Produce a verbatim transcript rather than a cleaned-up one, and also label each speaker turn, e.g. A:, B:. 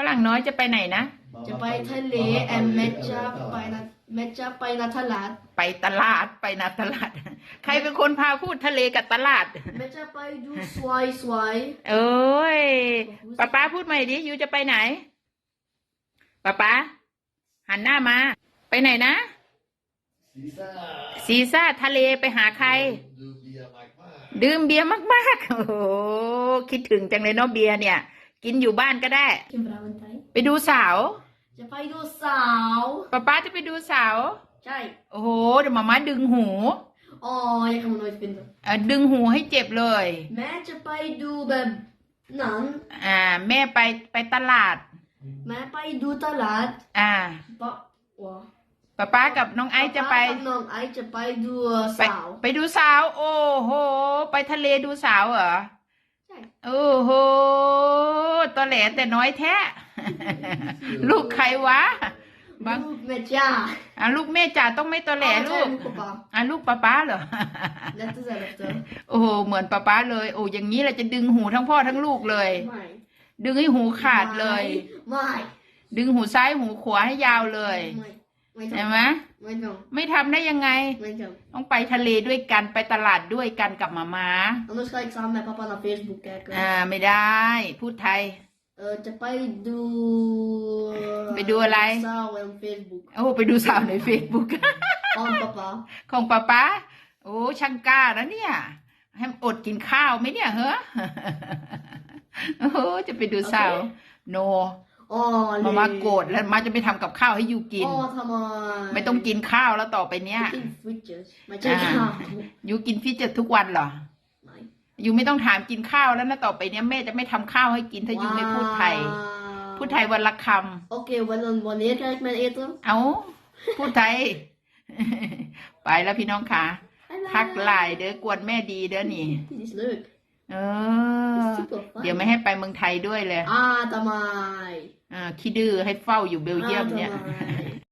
A: รั่งน้อยจะไปไหนนะ
B: จะไปทะเลแอมเมจะไปนะเมจะไปนาตลาด
A: ไปตลาดไปนาตลาดใครเป็นคนพาพูดทะเลกับตลาด
B: เมจะไปดูสวยสวย
A: เอ้ยป๊าป๊าพูดใหม่ดิยูจะไปไหนป๊าป๊าหันหน้ามาไปไหนนะ
C: ซีซ่า
A: ซีซ่าทะเลไปหาใครดื่มเบียร์มากๆโอ้โหคิดถึงจังเลยเนาะเบียร์เนี่ยกินอยู่บ้านก็ได้ไปดูสาว
B: จะไปดูสาว
A: ป๊าป๊าจะไปดูสาว
B: ใช่
A: โอ้โหเดี๋ยวมาม่าดึงหู
B: อ๋อยังไม่รู้เป็น
A: เออดึงหูให้เจ็บเลย
B: แม่จะไปดูแบบนั้น
A: อ่าแม่ไปไปตลาด
B: แม่ไปดูตลาด
A: อ่า
B: ป๊า
A: ป๊าป๊ากับน้องไอซ์จะไป
B: น้องไอซ์จะไปดูสาว
A: ไปดูสาวโอ้โหไปทะเลดูสาวเหรอ
B: ใช่
A: โอ้โหตัวแหลแต่น้อยแท้ลูกใครวะ
B: ลูกแม่จ้า
A: อ่ะลูกแม่จ๋าต้องไม่ตัวแหลลูกอ่ะลูกป๊าป๊าเหรอโอ้โหเหมือนป๊าป๊าเลยโอ้อย่างนี้เราจะดึงหูทั้งพ่อทั้งลูกเลยดึงให้หูขาดเลย
B: ไม่
A: ดึงหูซ้ายหูขวาให้ยาวเลยใช่ไหม
B: ไม่ทำ
A: ไม่ทำได้ยังไงต้องไปทะเลด้วยกันไปตลาดด้วยกันกับมาม่า
B: Anders ga ik samen met papa naar Facebook kijken
A: อ่าไม่ได้พูดไทย
B: เออจะไปดู
A: ไปดูอะไร
B: สาวใน Facebook
A: โอ้ไปดูสาวใน Facebook
B: ของป๊าป๊า
A: ของป๊าป๊าโอ้ช่างกล้านะเนี่ยให้อดกินข้าวไหมเนี่ยเฮ้อโอ้จะไปดูสาวโนมามาโกรธแล้วมาจะไปทำกับข้าวให้ยูกิน
B: อ๋อทำไม
A: ไม่ต้องกินข้าวแล้วต่อไปเนี้ย
B: กินฟิชเจอร์ไม่ใช่ข้าว
A: ยูกินฟิชเจอร์ทุกวันเหรอยูไม่ต้องถามกินข้าวแล้วนะต่อไปเนี้ยแม่จะไม่ทำข้าวให้กินถ้ายูไม่พูดไทยพูดไทยวันละคำ
B: โอเควันนั้นวันนี้ใครมาเอตุ
A: เอาพูดไทยไปแล้วพี่น้องค่ะทักไลน์เด้อกวนแม่ดีเด้อนี่เออเดี๋ยวไม่ให้ไปเมืองไทยด้วยเลย
B: อ่าทำไม
A: อ่าขี้ดื้อให้เฝ้าอยู่เบลเยียมเนี่ย